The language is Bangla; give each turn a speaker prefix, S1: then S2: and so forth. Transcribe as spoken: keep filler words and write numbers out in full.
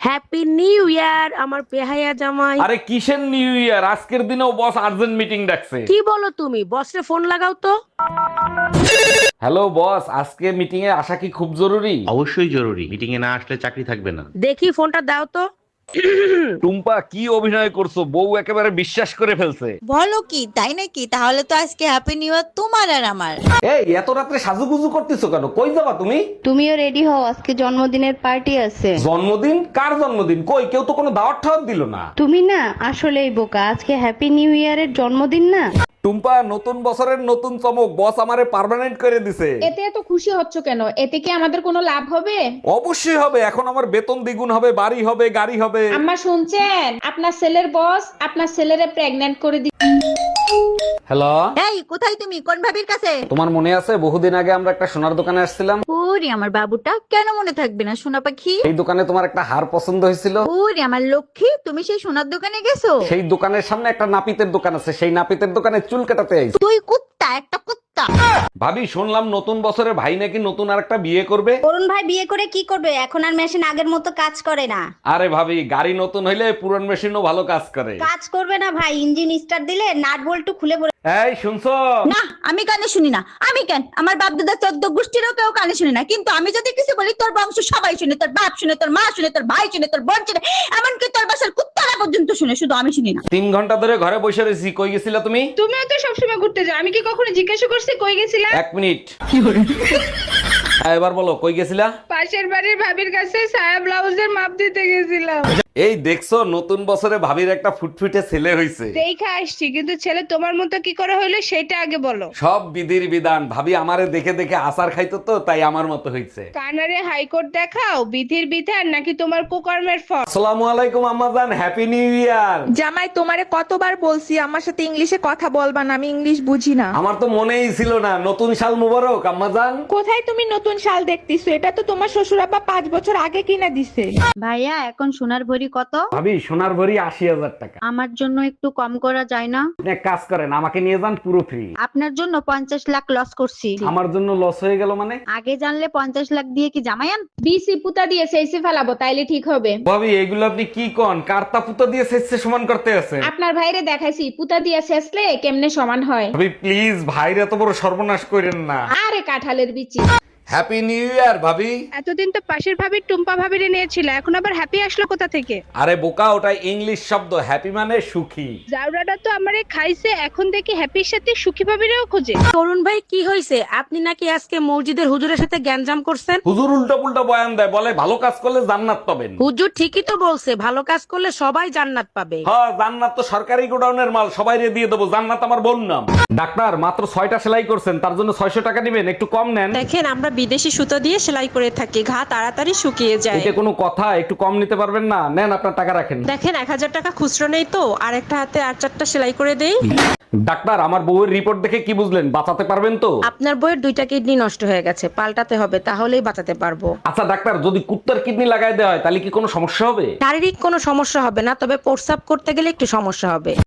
S1: হ্যাপি নিউ ইয়ার আমার পেহাইয়া জামাই।
S2: আরে কিসের নিউ ইয়ার, আজকের দিনেও বস আর্জেন্ট মিটিং ডাকছে।
S1: কি বলো তুমি? বসরে ফোন লাগাও তো।
S2: হ্যালো বস, আজকে মিটিং এ আসা কি খুব জরুরি?
S3: অবশ্যই জরুরি, মিটিং এ না আসলে চাকরি থাকবে না।
S1: দেখি ফোনটা দাও তো।
S2: টুম্পা কি অভিনয় করছো, বউ একেবারে বিশ্বাস করে ফেলছে।
S4: বলো কি, তাই নাকি? তাহলে তো আজকে হ্যাপি নিউ ইয়ার তোমার আর আমার।
S2: এই এত রাত্রে সাজুগুজু করতেছো কেন? কই যাবা তুমি?
S5: তুমিও রেডি হও, আজকে জন্মদিনের পার্টি আছে।
S2: জন্মদিন? কার জন্মদিন? কই কেউ তো কোনো দাওয়াত ঠাওয়াত দিল না।
S5: তুমি না আসলেই বোকা, আজকে হ্যাপি নিউ ইয়ারের জন্মদিন না।
S2: টুম্পা, নতুন বছরের নতুন চমক, বস আমারে পার্মানেন্ট করে দিছে।
S6: এতে এত খুশি হচ্ছ কেন? এতে কি আমাদের কোনো লাভ হবে?
S2: অবশ্যই হবে, এখন আমার বেতন দ্বিগুণ হবে, বাড়ি হবে, গাড়ি হবে।
S6: আম্মা শুনছেন? আপনার ছেলের বস আপনার ছেলেরে প্রেগন্যান্ট করে দি।
S2: হ্যালো,
S4: এই কোথায় তুমি? কোন ভাবির কাছে?
S2: তোমার মনে আছে বহুদিন আগে আমরা একটা সোনার দোকানে আসছিলাম?
S4: ওরে আমার বাবুটা, কেন মনে থাকবে না সোনা পাখি?
S2: এই দোকানে তোমার একটা হার পছন্দ হয়েছিল।
S4: ওরে আমার লক্ষ্মী, তুমি সেই সোনার দোকানে গেছো?
S2: সেই দোকানের সামনে একটা নাপিতের দোকান আছে, সেই নাপিতের দোকানে চুল কাটাতে আইছি।
S4: তুই কুত্তা, একটা কুত্তা।
S2: ভাবি, শুনলাম নতুন বছরে ভাই নাকি নতুন আর একটা বিয়ে করবে।
S7: অরুণ ভাই বিয়ে করে কি করবে? এখন আর মেশিন আগের মতো কাজ করে না।
S2: আরে ভাবি, গাড়ি নতুন হইলে পুরান মেশিনও ভালো কাজ করে।
S7: কাজ করবে না ভাই, ইঞ্জিন স্টার্ট দিলে নাট বল্টু খুলে পড়ে।
S2: এই শুনছো?
S4: না, আমি কানে শুনি না। আমি কেন? আমার বাপ দাদা চোদ্দ গোষ্ঠীরও কেউ কানে শুনে না। কিন্তু আমি যদি কিছু বলি, তোর বংশ সবাই শুনে, তোর বাপ শুনে, তোর মা শুনে, তোর ভাই শুনে, তোর বোন শুনে, এমনকি তোর বাসার কুত্তারা পর্যন্ত শুনে, শুধু আমি শুনি না।
S2: তিন ঘন্টা ধরে ঘরে বসে রয়েছি, কই গেছিলা তুমি?
S6: তুমিও তো সবসময় ঘুরতে যাও, আমি কি কখনো জিজ্ঞাসা করছি কই গেছিলা?
S2: এক মিনিট। হ্যাঁ, এবার বলো কই গেছিলা?
S6: পাশের বাড়ির ভাবির কাছে সায়া ব্লাউজের মাপ দিতে গেছিলাম।
S2: এই দেখছো, নতুন বছরে ভাবির একটা ফুটফুটে ছেলে হইছে।
S6: দেখে আসছি, কিন্তু ছেলে তোমার মতো কি করে হইলো সেটা আগে বলো।
S2: সব বিধির বিধান। ভাবি আমারে দেখে দেখে আচার খাইতো তো, তাই আমার মতো হইছে।
S6: কানারে হাইকোর্ট দেখাও, বিধির বিধান নাকি তোমার কুকর্মের ফল?
S2: আসসালামু আলাইকুম আম্মাজান, হ্যাপি নিউ ইয়ার।
S8: জামাই, তোমারে কতবার বলছি আমার সাথে ইংলিশে কথা বলবা না, আমি ইংলিশ বুঝি না।
S2: আমার তো মনেই ছিল না। নতুন সাল মুবারক আম্মাজান।
S8: কোথায় তুমি নতুন শাল দেখতেছো? এটা তো তোমার শ্বশুর আব্বা পাঁচ বছর আগে কিনা দিছে।
S5: ভাইয়া, এখন সোনার ভরি কত?
S2: ভাবি, সোনার ভরি আশি হাজার টাকা।
S5: আমার জন্য একটু কম করা যায় না?
S2: আপনি এক কাজ করেন, আমাকে নিয়ে যান পুরো ফ্রি।
S5: আপনার জন্য পঞ্চাশ লাখ লস করছি।
S2: আমার জন্য লস হয়ে গেল মানে?
S5: আগে জানলে পঞ্চাশ লাখ দিয়ে কি জামাই আন?
S6: বিসি পুতা দিয়ে সেইসে ফেলাবো, তাইলে ঠিক হবে।
S2: ভাবি, এগুলো আপনি কি কন? কার্তা পুতো দিয়ে শেষে সমান করতে আছে।
S6: আপনার ভাইরে দেখাইছি পুতা দিয়ে শেষলে কেমনে সমান হয়।
S2: ভাবি প্লিজ, ভাইরে এত বড় সর্বনাশ করেন না।
S6: আরে কাঁঠালের বিচি।
S2: হ্যাপি নিউ ইয়ার ভাবি।
S6: এতদিন তো পাশের ভাবির টুম্পা ভাবিরে নিয়েছিল, এখন আবার হ্যাপি আসলো কোথা থেকে?
S2: আরে বোকা, ওটা ইংলিশ শব্দ। হ্যাপি মানে সুখী।
S6: জাউরাটা তো আমারে খাইছে, এখন দেখি হ্যাপির সাথে সুখী ভাবিরেও খোঁজে।
S1: অরুণ ভাই কি হয়েছে? আপনি নাকি আজকে মসজিদের হুজুরের সাথে গ্যাঞ্জাম করছেন?
S2: হুজুর উল্টা পুল্টা বয়ান দেয়, বলে ভালো কাজ করলে জান্নাত পাবেন।
S1: হুজুর ঠিকই তো বলছে, ভালো কাজ করলে সবাই জান্নাত পাবে।
S2: হ্যাঁ, জান্নাত তো সরকারি গোডাউনের মাল, সবাই দিয়ে দেবো। জান্নাত আমার বোন নাম। ডাক্তার, মাত্র ছয়টা সেলাই করছেন, তার জন্য ছয়শো টাকা দিবেন, একটু কম নেন।
S9: দেখেন, আমরা বিদেশি সুতো দিয়ে সেলাই করে থাকি, ঘা তাড়াতাড়ি শুকিয়ে যায়।
S2: এটা কোনো কথা? একটু কম নিতে পারবেন না? নেন, আপনার টাকা রাখেন।
S9: দেখেন, এক হাজার টাকা খুচরো নেই তো, আর একটা হাতে আর চারটা সেলাই করে দেই।
S2: ডাক্তার, আমার বউয়ের রিপোর্ট দেখে কি বুঝলেন? বাঁচাতে পারবেন তো?
S1: আপনার বইয়ের দুইটা কিডনি নষ্ট হয়ে গেছে, পাল্টাতে হবে, তাহলেই বাঁচাতে পারবো।
S2: আচ্ছা ডাক্তার, যদি কুত্তার কিডনি লাগাই দেওয়া হয় তাহলে কি কোনো সমস্যা হবে?
S1: শারীরিক কোনো সমস্যা হবে না, তবে প্রস্রাব করতে গেলে একটু সমস্যা হবে।